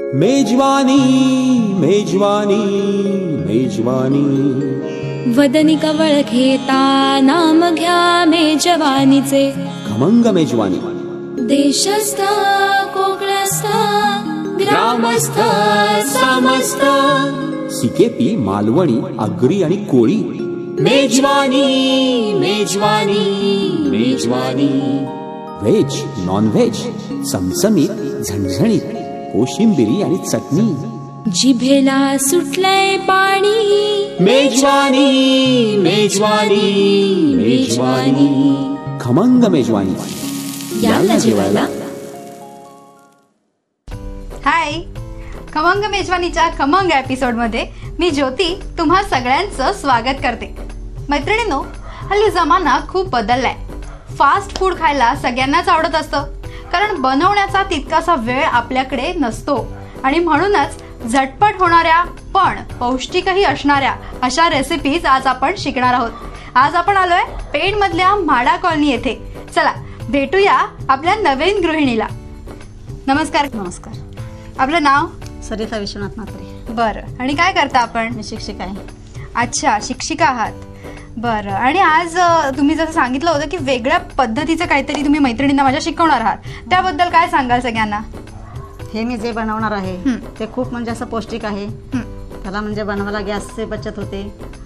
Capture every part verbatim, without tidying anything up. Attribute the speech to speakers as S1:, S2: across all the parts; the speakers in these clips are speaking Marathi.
S1: मेजवानी मेजवानी मेजवानी
S2: वदनी कवळ घेता नाम घ्या मेजवानीचे
S1: खमंग मेजवानी
S2: देशस्थ कोकणस्थ ग्रामस्थ समस्त
S1: सिकेपी मालवणी आगरी आणि कोळी मेजवानी मेजवानी मेजवानी व्हेज नॉन व्हेज चमचमीत झणझणीत कोशिंबिरी आणि चटणी
S2: जिभेला सुटलंय पाणी
S1: मेजवानी मेजवानी मेजवानी खमंग मेजवानी याला जेवायला.
S3: हाय, खमंग मेजवानीच्या खमंग एपिसोड मध्ये मी ज्योती तुम्हा सगळ्यांचं स्वागत करते. मैत्रिणींनो, हल्ली जमाना खूप बदललाय. फास्ट फूड खायला सगळ्यांनाच आवडत असतं, कारण बनवण्याचा तितकासा वेळ आपल्याकडे नसतो आणि म्हणूनच झटपट होणाऱ्या पण पौष्टिकही असणाऱ्या अशा रेसिपीज आज आपण शिकणार आहोत. आज आपण आलोय पेण मधल्या म्हाडा कॉलनी येथे. चला भेटूया आपल्या नवीन गृहिणीला. नमस्कार.
S4: नमस्कार.
S3: आपलं नाव?
S4: सरिता विश्वनाथ म्हात्रे.
S3: बरं, आणि काय करता आपण?
S4: मी शिक्षिका आहे.
S3: अच्छा, शिक्षिका आहात. बरं, आणि आज तुम्ही जसं सांगितलं होतं की वेगळ्या पद्धतीचं काहीतरी तुम्ही मैत्रिणींना माझ्या शिकवणार आहात, त्याबद्दल काय सांगाल सगळ्यांना?
S4: हे मी जे बनवणार आहे ते खूप म्हणजे असं पौष्टिक आहे. त्याला म्हणजे बनवायला गॅसची बचत होते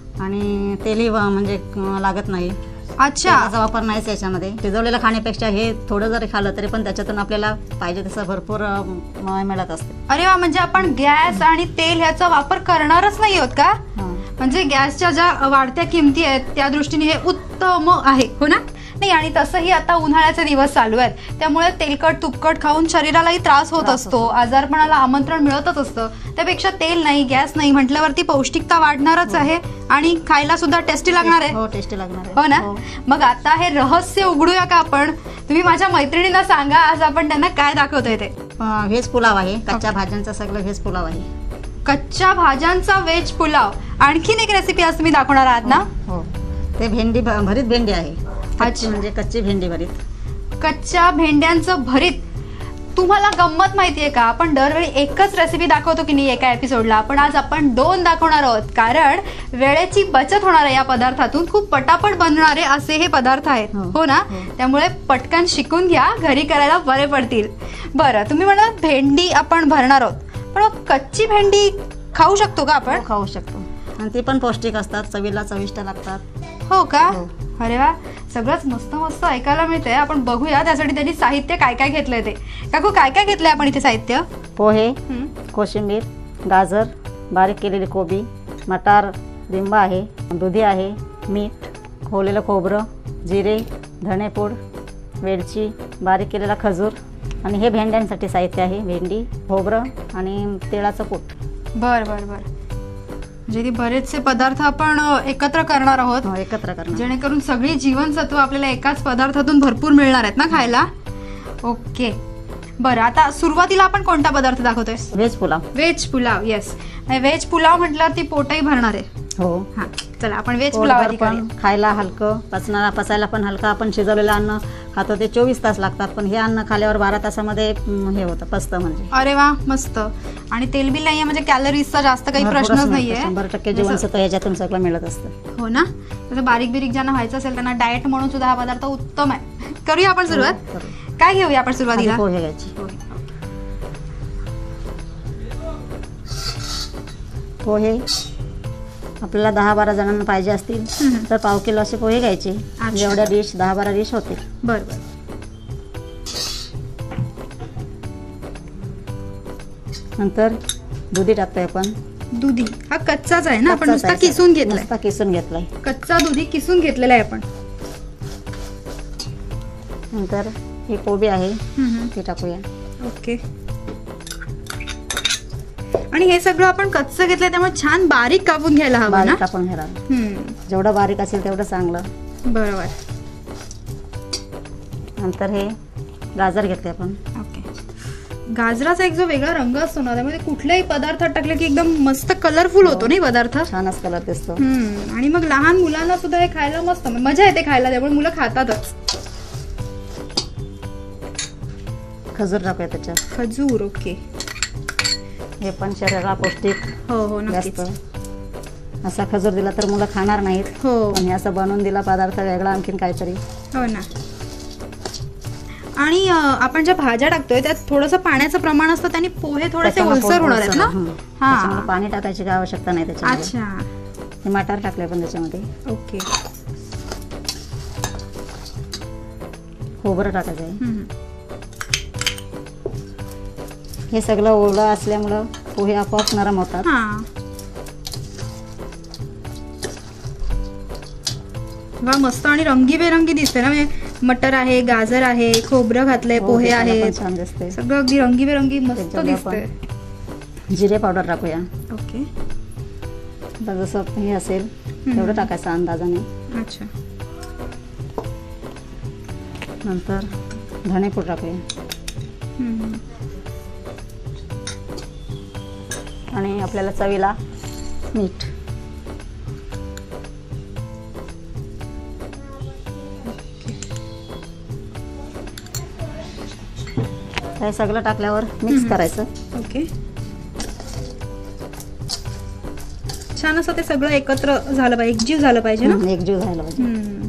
S4: आणि तेलही म्हणजे लागत नाही.
S3: अच्छा,
S4: त्याचा वापर नाहीच याच्यामध्ये. शिजवलेलं खाण्यापेक्षा हे थोडं जरी खाल्लं तरी पण त्याच्यातून आपल्याला पाहिजे तसं भरपूर मिळत असते.
S3: अरे वा, म्हणजे आपण गॅस आणि तेल ह्याचा वापर करणारच नाही आहोत का? म्हणजे गॅसच्या ज्या वाढत्या किमती आहेत त्या दृष्टीने हे उत्तम आहे, हो ना? नाही, आणि तसंही आता उन्हाळ्याचे दिवस चालू आहेत, त्यामुळे तेलकट तुपकट खाऊन शरीरालाही त्रास होत असतो, आजारपणाला आमंत्रण मिळतच असतं. त्यापेक्षा तेल नाही, गॅस नाही म्हटल्यावरती पौष्टिकता वाढणारच आहे आणि खायला सुद्धा टेस्टी लागणार आहे.
S4: हो, टेस्टी लागणार आहे.
S3: हो ना? मग आता हे रहस्य उघडूया का आपण? तुम्ही माझ्या मैत्रिणींना सांगा आज आपण त्यांना काय दाखवतोय ते.
S4: व्हेज पुलाव आहे. कच्च्या भाज्यांचा सगळं व्हेज पुलाव आहे.
S3: कच्च्या भाज्यांचा व्हेज पुलाव. आणखीन एक रेसिपी आज तुम्ही दाखवणार आहात ना?
S4: हो, ते भेंडी भरीत भेंडी आहे. कच्ची म्हणजे कच्ची भेंडी भरीत.
S3: कच्च्या भेंड्यांचं भरीत. तुम्हाला गंमत माहितीये का, आपण दरवेळी एकच रेसिपी दाखवतो की नाही एका एपिसोडला, पण आज आपण दोन दाखवणार आहोत, कारण वेळेची बचत होणार आहे या पदार्थातून. खूप पटापट बनणारे असे हे पदार्थ आहेत, हो ना? त्यामुळे पटकन शिकून घ्या, घरी करायला बरे पडतील. बरं, तुम्ही म्हणाल भेंडी आपण भरणार आहोत, पण कच्ची भेंडी खाऊ शकतो का आपण?
S4: खाऊ शकतो, आणि ते पण पौष्टिक असतात, चवीला चविष्ट लागतात.
S3: हो का? अरे वा, सगळंच मस्त मस्त ऐकायला मिळतंय. आपण बघूया त्यासाठी त्यांनी साहित्य काय काय घेतलंय ते. काकू, काय काय घेतलंय आपण इथे साहित्य?
S4: पोहे, कोशिंबीर, गाजर, बारीक केलेली कोबी, मटार, लिंबा आहे, दुधी आहे, मीठ, खोवलेलं खोबरं, जिरे, धणेपूड, वेलची, बारीक केलेला खजूर, आणि हे भेंड्यांसाठी साहित्य आहे. भेंडी, खोबरं आणि तिळाचं कूट.
S3: बर बर बर म्हणजे बरेचसे पदार्थ आपण एकत्र करणार आहोत.
S4: एकत्र करणार,
S3: जेणेकरून सगळी जीवनसत्व आपल्याला एकाच पदार्थातून भरपूर मिळणार आहेत ना खायला. ओके, बरं, आता सुरुवातीला आपण कोणता पदार्थ दाखवतोय?
S4: Veg pulao.
S3: Veg pulao, yes. Veg pulao म्हटलं ती पोटही भरणार आहे.
S4: हो.
S3: हा, चला आपण व्हेज पुलाव.
S4: खायला हलकं, पचनाला पचायला पण हलकं. आपण शिजवलेलं अन्न खातो ते चोवीस तास लागतात, पण हे अन्न खाल्यावर बारा तासामध्ये हे होतं, पचतं म्हणजे.
S3: अरे वा, मस्त. आणि तेलबिल नाहीये, म्हणजे कॅलरीजचा जास्त काही प्रश्नच नाहीये.
S4: शंभर टक्के जीवनसत्व ह्याच्यातून सगळं मिळत असतं.
S3: हो ना? तसं बारीक बिरीक ज्यांना व्हायचं असेल त्यांना डाएट म्हणून सुद्धा हा पदार्थ उत्तम आहे. करूया आपण सुरुवात. काय घेऊया आपण सुरुवातीला?
S4: पोहे घ्यायचे. पोहे आपल्याला दहा बारा जणांना पाहिजे असतील तर पाव किलो असे पोहे घ्यायचे. एवढ्या डिश दहा बारा डिश होते.
S3: बरोबर.
S4: नंतर दुधी टाकतोय आपण.
S3: दुधी हा कच्चाच आहे ना? आपण नुसता किसून घेतलाय.
S4: नुसता किसून घेतलाय.
S3: कच्चा दुधी किसून घेतलेला आहे आपण.
S4: नंतर ही कोबी आहे ती टाकूया.
S3: ओके. आणि हे सगळं आपण कच्चं घेतलंय त्यामुळे छान बारीक कापून घ्यायला हवं ना?
S4: कापून घ्यायला. जेवढं बारीक असेल तेवढं चांगलं.
S3: बरोबर.
S4: नंतर हे गाजर घेतले आपण.
S3: ओके. गाजराचा एक जो वेगळा रंग असतो ना, त्यामध्ये कुठल्याही पदार्थात टाकले की एकदम मस्त कलरफुल होतो नाही पदार्थ.
S4: छानच कलर दिसतो.
S3: आणि मग लहान मुलांना सुद्धा हे खायला मस्त मजा येते खायला, त्यामुळे मुलं खातातच.
S4: खजूर टाकूया त्याच्यात.
S3: खजूर. ओके.
S4: हे पण शरीराला पौष्टिक
S3: हो हो नक्कीच.
S4: जास्त. असा खजूर दिला तर मुलं खाणार नाहीत.
S3: हो
S4: आणि असं बनवून दिला पदार्थ वेगळा आणखीन काहीतरी.
S3: हो ना. आणि अ, आपण ज्या भाज्या टाकतोय त्यात थोडंसं पाण्याचं प्रमाण असतं, त्याने पोहे थोडेसे
S4: त्याच्यामुळे
S3: ओलसर होणार आहेत
S4: ओलसर,
S3: ना.
S4: हं.
S3: हा
S4: त्याच्यामुळे पाणी टाकायची काय आवश्यकता नाही त्याच्यामध्ये.
S3: अच्छा
S4: हे मटार टाकले पण त्याच्यामध्ये.
S3: ओके.
S4: खोबरं टाकायचं आहे.
S3: हम्म.
S4: हे सगळं ओलं असल्यामुळं पोहे आपोआप नरम होतात.
S3: हा वा मस्त आणि रंगीबेरंगी दिसते ना. म्हणजे मटर आहे, गाजर आहे, खोबरं घातलंय,
S4: हो,
S3: पोहे
S4: दिसायला पण
S3: आहेत,
S4: छान दिसते.
S3: सगळं अगदी रंगीबेरंगी मस्त
S4: त्याच्यामध्ये
S3: दिसतंय.
S4: आपण जिरे पावडर टाकूया.
S3: ओके.
S4: आता जसं हे असेल तेवढं टाकायचं अंदाजाने.
S3: अच्छा.
S4: नंतर धणेपूड टाकूया.
S3: हम्म.
S4: आणि आपल्याला चवीला मीठ. हे सगळं टाकल्यावर मिक्स करायचं.
S3: ओके. छान असं ते सगळं एकत्र झालं पाहिजे, एकजीव झालं पाहिजे ना.
S4: हं, एकजीव झाला पाहिजे.
S3: हम्म.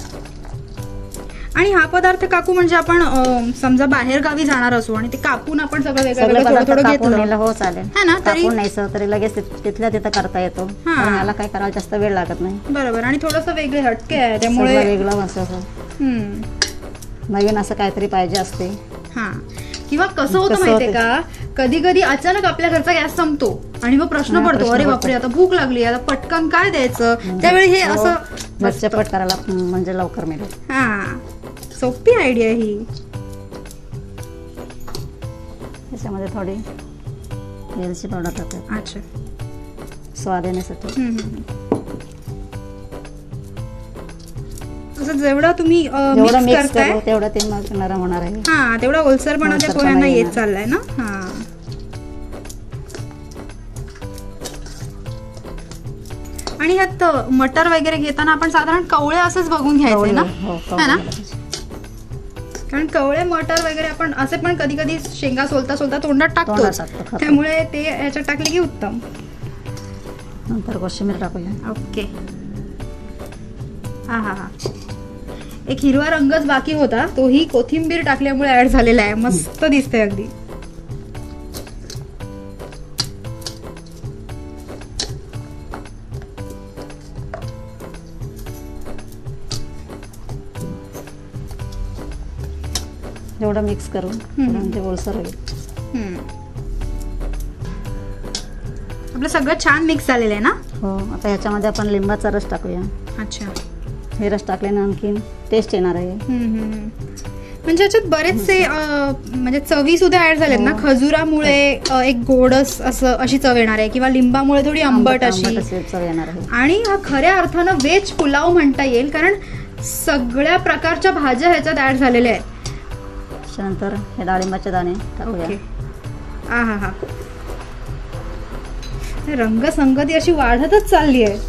S3: आणि हा पदार्थ काकू म्हणजे आपण अं, समजा बाहेर गावी जाणार असू आणि ते कापून आपण सगळं वेगळं
S4: सगळे
S3: वेगळं थोडं
S4: पदार्थ
S3: थोडं
S4: कापून
S3: घेतलं
S4: नेलं हो चालेल.
S3: हा ना, तरी
S4: कापून न्यायचं तरी लगेच तिथ- तिथल्या तिथं करता येतो. कारण याला काय करायला जास्त वेळ लागत नाही.
S3: बरोबर. आणि थोडंसं वेगळे हटके आहे
S4: सगळं
S3: त्यामुळे
S4: वेगळं असं असं
S3: हम्म.
S4: नवीन असं काहीतरी पाहिजे असते.
S3: हा. किंवा कसं होतं
S4: कसं
S3: माहितीये
S4: होतं?
S3: का, कधी कधी अचानक आपल्या घरचा गॅस संपतो आणि मग प्रश्न
S4: हा,
S3: पडतो,
S4: प्रश्न
S3: अरे
S4: पडतो.
S3: बापरे आता भूक लागली, आता पटकन काय द्यायचं. त्यावेळी हे
S4: हो,
S3: असं
S4: झटपट करायला म्हणजे लवकर मिळेल.
S3: हा सोपी आयडिया ही.
S4: त्याच्यामध्ये थोडी वेलची पावडर टाकतात
S3: अच्छा.
S4: स्वाद येण्यासाठी.
S3: हम्म, हम्म. असं जेवढं तुम्ही
S4: जेवढं
S3: मिक्स
S4: मिक्स
S3: करताय
S4: करू तेवढं ते मग नरम होणार आहे.
S3: हा तेवढा ओलसरपणा त्या
S4: ओलसरपणा
S3: पोह्यांना येत
S4: येणार.
S3: चाललाय ना. हा. आणि ह्यात मटर वगैरे घेताना आपण साधारण कवळे असंच बघून घ्यायचे ना.
S4: हो,
S3: है ना.
S4: कवळे.
S3: कारण कवळे मटर वगैरे आपण असे पण कधी कधी शेंगा सोलता सोलता तोंडात टाकतो,
S4: तोंडात टाकतो, खातो.
S3: त्यामुळे ते ह्याच्यात टाकले की उत्तम.
S4: नंतर कोशिंबीर टाकूया.
S3: ओके. हा हा हा. एक हिरवा रंगच बाकी होता, तोही कोथिंबीर टाकल्यामुळे ऍड झालेला आहे. मस्त दिसतंय अगदी.
S4: जेवढं मिक्स करून म्हणजे ओलसर होईल.
S3: हम्म. आपलं सगळं छान मिक्स झालेलं आहे ना.
S4: हो. आता ह्याच्यामध्ये आपण लिंबाचा रस टाकूया.
S3: अच्छा.
S4: हे रस टाकल्याने आणखीन टेस्ट येणार आहे.
S3: हम्म, हम्म. म्हणजे याच्यात बरेचसे अं, म्हणजे चवी सुद्धा ऍड झालेत ना.
S4: हो.
S3: खजुरामुळे अं, एक गोडस असं अशी चव येणार आहे, किंवा लिंबामुळे थोडी आंबट अशी.
S4: आंबट अशी चव येणार आहे.
S3: आणि हा खऱ्या अर्थानं व्हेज पुलाव म्हणता येईल, कारण सगळ्या प्रकारच्या भाज्या ह्याच्यात ऍड झालेल्या आहेत.
S4: त्याच्यानंतर हे डाळिंबाचे दाणे टाकूया.
S3: ओके. आ हा हा. रंगसंगती अशी वाढतच चालली आहे.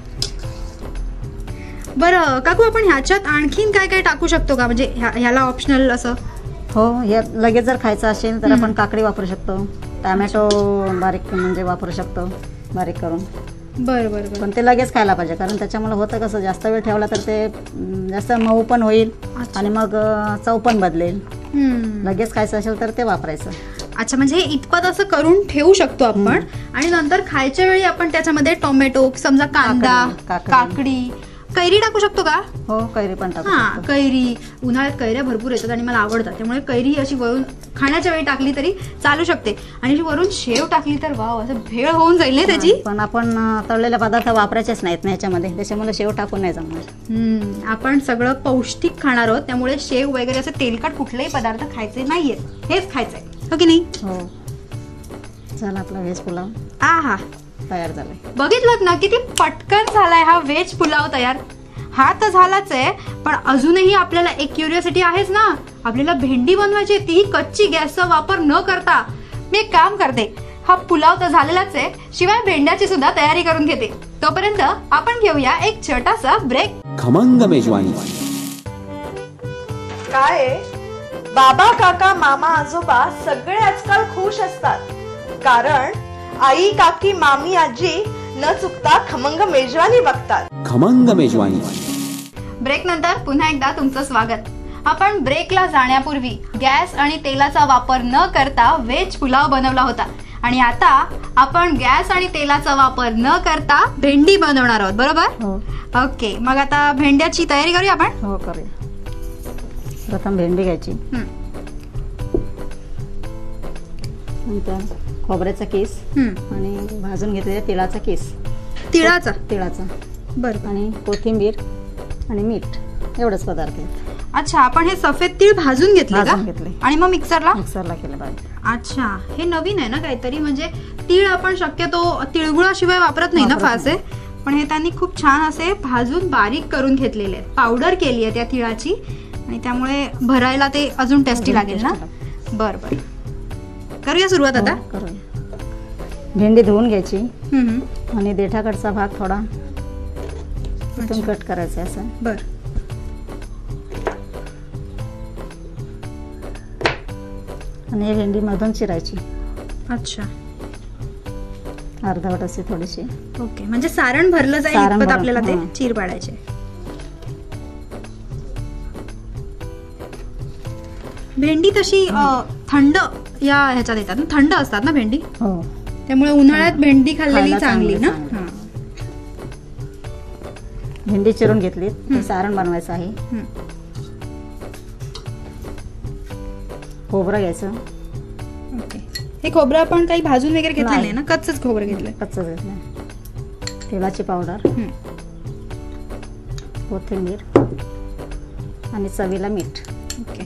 S3: बरं काकू, आपण ह्याच्यात आणखीन काय काय टाकू शकतो का, म्हणजे ह्या- ह्याला ऑप्शनल असं.
S4: हो. हे लगेच जर खायचं असेल तर आपण काकडी वापरू शकतो. टॅमॅटो बारीक म्हणजे वापरू शकतो बारीक करून.
S3: बरं बरं बरं.
S4: पण ते लगेच खायला पाहिजे, कारण त्याच्यामुळे होतं कसं, जास्त वेळ ठेवला तर ते अं, जास्त मऊ पण होईल आणि मग अं, चव पण बदलेल.
S3: हम्म.
S4: लगेच खायचं असेल तर ते वापरायचं.
S3: अच्छा, म्हणजे हे इतपत असं करून ठेवू शकतो आपण आणि नंतर खायच्या वेळी आपण त्याच्यामध्ये टोमॅटो, समजा कांदा,
S4: काकडी,
S3: काकडी, कैरी टाकू शकतो का.
S4: हो, कैरी पण टाकू
S3: हा
S4: शकतो.
S3: कैरी. उन्हाळ्यात कैऱ्या भरपूर येतात आणि मला आवडतात, त्यामुळे कैरी ही अशी वरून खाण्याच्या वेळी टाकली तरी चालू शकते. आणि अशी वरून शेव टाकली तर वाव, असं भेळ होऊन जाईल ना त्याची.
S4: पण आपण अं, तळलेले पदार्थ वापरायचेच नाहीत ना याच्यामध्ये, त्याच्यामुळे शेव टाकून नाही जमणार.
S3: हम्म. आपण सगळं पौष्टिक खाणार आहोत, त्यामुळे शेव वगैरे असे तेलकट कुठलेही पदार्थ खायचे नाहीयेत, हेच खायचंय, हो की नाही.
S4: हो. चला, आपला व्हेज पुलाव
S3: आ हा
S4: तयार झालाय.
S3: बघितलं ना किती पटकन झालाय हा व्हेज पुलाव तयार. हा तर झालाच आहे, पण अजूनही आपल्याला एक क्युरिओसिटी आहेच ना. आपल्याला भेंडी बनवायची, तीही कच्ची, गॅसचा वापर न करता. मी एक काम करते, हा पुलाव तर झालेलाच आहे, शिवाय भेंड्याची सुद्धा तयारी करून घेते. तोपर्यंत आपण घेऊया एक छोटासा ब्रेक.
S1: खमंग मेजवानी.
S5: काय बाबा, काका, मामा, आजोबा सगळे आजकाल खुश असतात. कारण आई काकी मामी आजी न चुकता खमंग मेजवानी बघतात.
S1: खमंग मेजवानी.
S3: ब्रेक नंतर पुन्हा एकदा तुमचं स्वागत. आपण ब्रेकला जाण्यापूर्वी गॅस आणि तेलाचा वापर न करता व्हेज पुलाव बनवला होता आणि आता आपण गॅस आणि तेलाचा वापर न करता भेंडी बनवणार आहोत, बरोबर?
S4: हो.
S3: ओके, मग आता भेंड्याची तयारी करूया आपण.
S4: हो करूया. प्रथम भेंडी घ्यायची,
S3: हं,
S4: नंतर खोबऱ्याचा किस
S3: हं.
S4: आणि भाजून घेतलेला तेलाचा किस,
S3: तिळाचा.
S4: तिळाचा
S3: बरं.
S4: आणि कोथिंबीर आणि मीठ, एवढंच पदार्थ आहेत.
S3: अच्छा, आपण हे सफेद तीळ भाजून घेतले का?
S4: भाजून घेतले
S3: आणि मग मिक्सरला
S4: मिक्सरला केलं पाहिजे.
S3: अच्छा, हे नवीन आहे ना काहीतरी. म्हणजे तीळ आपण शक्यतो तिळगुळाशिवाय वापरत नाही ना
S4: वापरत
S3: फारसे, पण हे त्यांनी खूप छान असे भाजून बारीक करून घेतलेले आहेत. पावडर केली आहे त्या तिळाची आणि त्यामुळे भरायला ते अजून टेस्टी लागेल ना. बर बर, करूया सुरुवात आता.
S4: हो, करूया. भेंडी धुवून घ्यायची
S3: हम्म, हम्म.
S4: आणि देठाकडचा भाग थोडा इथून कट करायचा असं.
S3: बर.
S4: आणि ही भेंडी मधून चिरायची
S3: अच्छा,
S4: अर्धवट असे थोडीशी.
S3: ओके. म्हणजे सारण भरलं जाईल
S4: सारण
S3: इतपत
S4: भरून,
S3: आपल्याला ते
S4: हां.
S3: चीर पाडायचे. भेंडी तशी अ, थंड या ह्याच्यात येतात ना, थंड असतात ना भेंडी,
S4: हो.
S3: त्यामुळे उन्हाळ्यात भेंडी खाल्लेली
S4: खायला
S3: चांगली ना.
S4: चांगली,
S3: हां.
S4: भेंडी चिरून घेतली, ते सारण बनवायचं आहे.
S3: हं.
S4: खोबरं घ्यायचं,
S3: ओके. हे खोबरं आपण काही भाजून वगैरे घेतलं
S4: नाही.
S3: नाही ना, कच्चच खोबरं घेतलंय.
S4: कच्चं घेतलं. तेलाची पावडर,
S3: हं.
S4: कोथिंबीर आणि चवीला मीठ.
S3: ओके.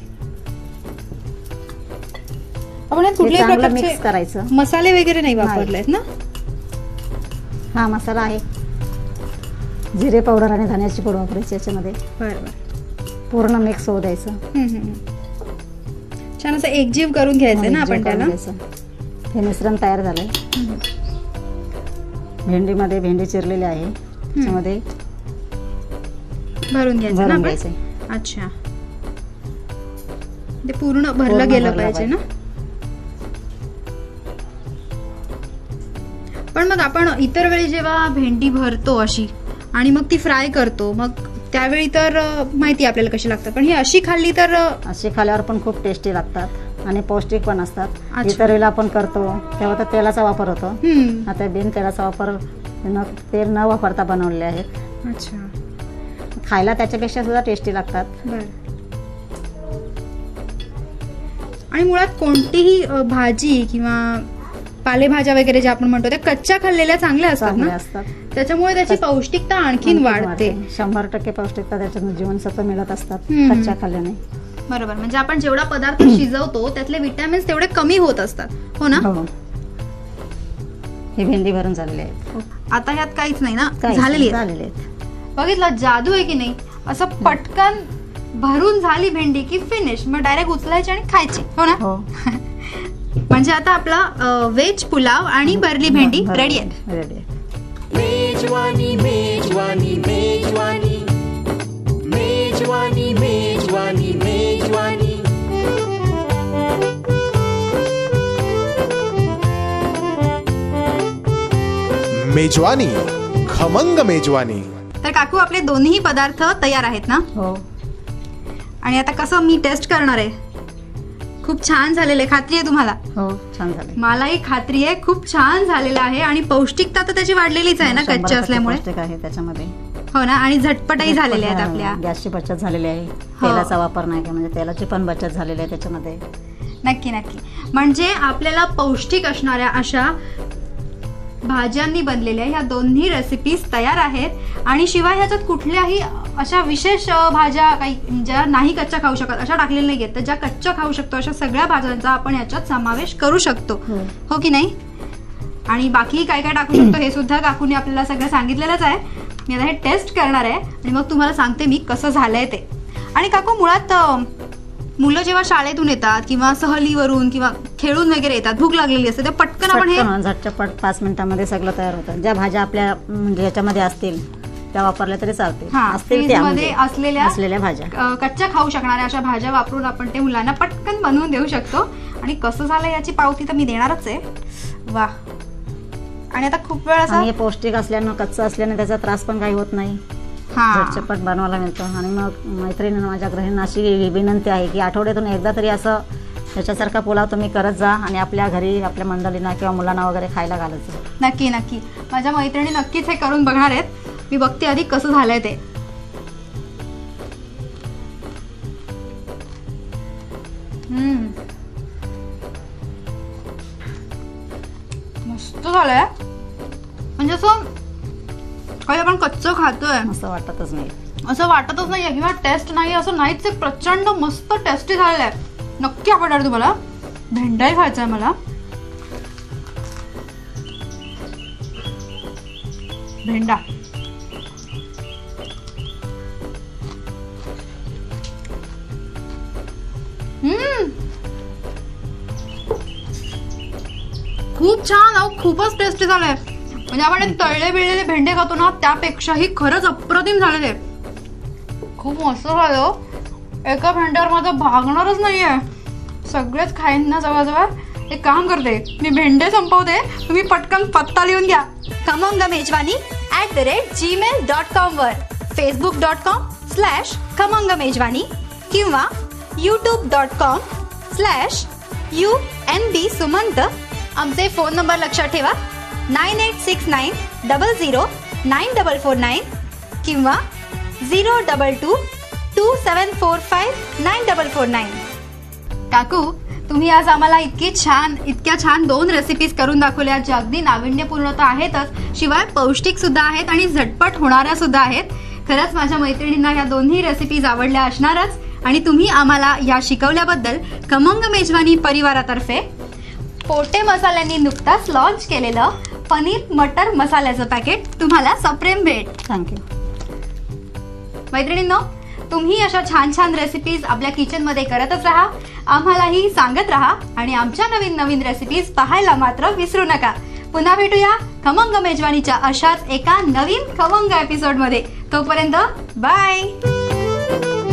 S3: आपण यात
S4: हे
S3: कुठल्याही
S4: चांगलं मिक्स
S3: प्रकारचे
S4: करायचं.
S3: मसाले वगैरे नाही वापरलेत ना.
S4: हा मसाला आहे, जिरे पावडर आणि धण्याची पूड वापरायची याच्यामध्ये.
S3: बरं बरं.
S4: पूर्ण मिक्स होऊ द्यायचं.
S3: हं, हं, हं. छान असं एकजीव करून घ्यायचंय ना आपण त्याला.
S4: हे मिश्रण तयार झालंय. भेंडीमध्ये भेंडी चिरलेली आहे, त्याच्यामध्ये
S3: भरून घ्यायचं ना
S4: भरून
S3: आपण.
S4: घ्यायचं.
S3: अच्छा, ते पूर्ण भरलं
S4: पूर्ण
S3: गेलं
S4: भरलं
S3: पाहिजे ना. पण मग आपण इतर वेळी जेव्हा भेंडी भरतो अशी आणि मग ती फ्राय करतो, मग त्यावेळी तर अ, माहिती आपल्याला कशी लागतात, पण ही अशी खाल्ली तर अ,
S4: अशी खाल्यावर पण खूप टेस्टी लागतात आणि पौष्टिक पण असतात.
S3: अच्छा.
S4: इतर वेळेला आपण करतो तेव्हा तर तेलाचा वापर होतो.
S3: हम्म.
S4: आता बिन तेलाचा वापर न तेल न वापरता बनवलेले आहेत.
S3: अच्छा,
S4: खायला त्याच्यापेक्षा सुद्धा टेस्टी लागतात.
S3: बर. आणि मुळात कोणतीही अ, भाजी किंवा पालेभाज्या वगैरे ज्या आपण म्हणतो त्या कच्च्या खाल्लेल्या चांगल्या असतात
S4: चांगले
S3: ना,
S4: असतात.
S3: त्याच्यामुळे त्याची पौष्टिकता आणखीन वाढते.
S4: शंभर टक्के पौष्टिकता त्याच्यातून जीवनसत्व मिळत असतात
S3: हम्म.
S4: कच्च्या खाल्ल्याने.
S3: बरोबर. म्हणजे आपण जेवढा पदार्थ शिजवतो त्यातले विटॅमिन्स तेवढे कमी होत असतात, हो ना.
S4: हो. हे भेंडी भरून झालेले आहेत.
S3: आता ह्यात काहीच नाही ना,
S4: काय
S3: झालेली आहे.
S4: झालेले आहेत.
S3: बघितलं, जादू आहे की नाही. असं पटकन भरून झाली भेंडी की फिनिश, मग डायरेक्ट उचलायची आणि खायची, हो ना.
S4: हो.
S3: म्हणजे आता आपला व्हेज पुलाव आणि भरली भेंडी रेडी आहे.
S4: रेडी आहे.
S1: मेजवानी मेजवानी मेजवानी मेजवानी मेजवानी मेजवानी.
S6: मेजवानी, खमंग मेजवानी.
S3: तर काकू, आपले दोन्ही पदार्थ तयार आहेत ना.
S4: हो.
S3: आणि आता कसं मी टेस्ट करणार आहे. खूप छान झालेलं आहे, खात्री आहे तुम्हाला.
S4: हो, छान झाले.
S3: मलाही खात्री आहे खूप छान झालेलं आहे. आणि पौष्टिकता तर त्याची वाढलेलीच आहे ना
S4: शंभर
S3: कच्च्या
S4: टक्के
S3: असल्यामुळे,
S4: पौष्टिक आहे त्याच्यामध्ये.
S3: हो ना. आणि झटपटही झालेले आहेत आपल्या.
S4: गॅसची बचत झालेली आहे,
S3: हो.
S4: तेलाचा वापर नाही, म्हणजे तेलाची पण बचत झालेली आहे त्याच्यामध्ये.
S3: नक्की नक्की. म्हणजे आपल्याला पौष्टिक असणाऱ्या अशा भाज्यांनी बनलेल्या ह्या दोन्ही रेसिपीज तयार आहेत. आणि शिवाय ह्याच्यात कुठल्याही अशा विशेष अ, भाज्या काही ज्या नाही कच्च्या खाऊ शकत अशा टाकलेल्या नाही आहेत, तर ज्या कच्च्या खाऊ शकतो अशा सगळ्या भाज्यांचा आपण याच्यात समावेश करू शकतो,
S4: हो.
S3: हो की नाही. आणि बाकी काय काय टाकू शकतो हे सुद्धा काकूने आपल्याला सगळं सांगितलेलंच आहे. मी आता हे टेस्ट करणार आहे आणि मग तुम्हाला सांगते मी कसं झालंय ते. आणि काकू, मुळात अ, मुलं जेव्हा शाळेतून येतात किंवा सहलीवरून किंवा खेळून वगैरे येतात, भूक लागलेली असते, तर पटकन आपण हे
S4: पटकन झटपट पाच मिनिटांमध्ये सगळं तयार होतं. ज्या भाज्या आपल्या म्हणजे याच्यामध्ये असतील त्या वापरल्या तरी चालते.
S3: हा,
S4: असतील
S3: फ्रीज
S4: त्या
S3: मध्ये
S4: म्हणजे
S3: असलेल्या
S4: असलेल्या भाज्या
S3: अ, कच्च्या खाऊ शकणाऱ्या अशा भाज्या वापरून आपण ते मुलांना पटकन बनवून देऊ शकतो. आणि कसं झालं याची पावती तर मी देणारच आहे. वा. आणि आता खूप वेळ असा
S4: आणि हे पौष्टिक असल्यानं कच्चं असल्यानं त्याचा त्रास पण काही होत नाही.
S3: हा
S4: झटपट बनवायला मिळतं. आणि मग मैत्रिणींना माझ्या गृहिणींना अशी विनंती आहे की आठवड्यातून एकदा तरी असं त्याच्यासारखा पुलाव तुम्ही करत जा आणि आपल्या घरी आपल्या मंडळींना किंवा मुलांना वगैरे खायला घालत जा.
S3: नक्की नक्की माझ्या मैत्रिणी नक्कीच हे करून बघणार आहेत. मी बघते आधी कसं झालंय ते. हम्म मस्त झालंय. म्हणजे असं काही आपण कच्चं खातोय
S4: असं वाटतच नाही.
S3: असं वाटतच नाहीये किंवा टेस्ट नाही असं नाहीच. एक प्रचंड मस्त टेस्टी झालेलं आहे. नक्की आवडणार तुम्हाला. भेंडाही खायचा आहे मला. भेंडा हम्म खूप छान. अहो खूपच टेस्टी झालंय. म्हणजे आपण तळले बिळलेले भेंडे खातो ना त्यापेक्षाही खरंच अप्रतिम झालेले. खूप मस्त झालं. एका भेंड्यावर माझं भागणारच नाहीये. सगळेच खाईन ना जवळजवळ. एक काम करते मी भेंडे संपवते. तुम्ही पटकन पत्ता लिहून घ्या.
S7: Khamang Mejwani at the rate Gmail dot com वर, Facebook dot com slash Khamang Mejwani किंवा YouTube dot com slash U N B Sumant. आमचे फोन नंबर लक्षात ठेवा nine eight six nine double zero nine double four nine किंवा zero double two two seven four five nine double four nine.
S3: काकू तुम्ही आज आम्हाला इतकी छान इतक्या छान दोन रेसिपीज करून दाखवल्या ज्या अगदी नाविन्यपूर्ण तर आहेतच शिवाय पौष्टिक सुद्धा आहेत आणि झटपट होणाऱ्या सुद्धा आहेत. खरंच माझ्या मैत्रिणींना या दोन्ही रेसिपीज आवडल्या असणारच. आणि तुम्ही आम्हाला या शिकवल्याबद्दल खमंग मेजवानी परिवारातर्फे
S7: पोटे मसाल्यांनी नुकताच लॉन्च केलेलं पनीर मटर मसाल्याचं पॅकेट तुम्हाला सप्रेम भेट.
S4: थँक्यू.
S3: मैत्रिणींनो तुम्ही अशा छान छान रेसिपीज आपल्या किचनमध्ये करतच राहा. आम्हालाही सांगत राहा आणि आमच्या नवीन नवीन रेसिपीज पाहायला मात्र विसरू नका. पुन्हा भेटूया खमंग मेजवानीच्या अशाच एका नवीन खमंग एपिसोडमध्ये. तोपर्यंत बाय.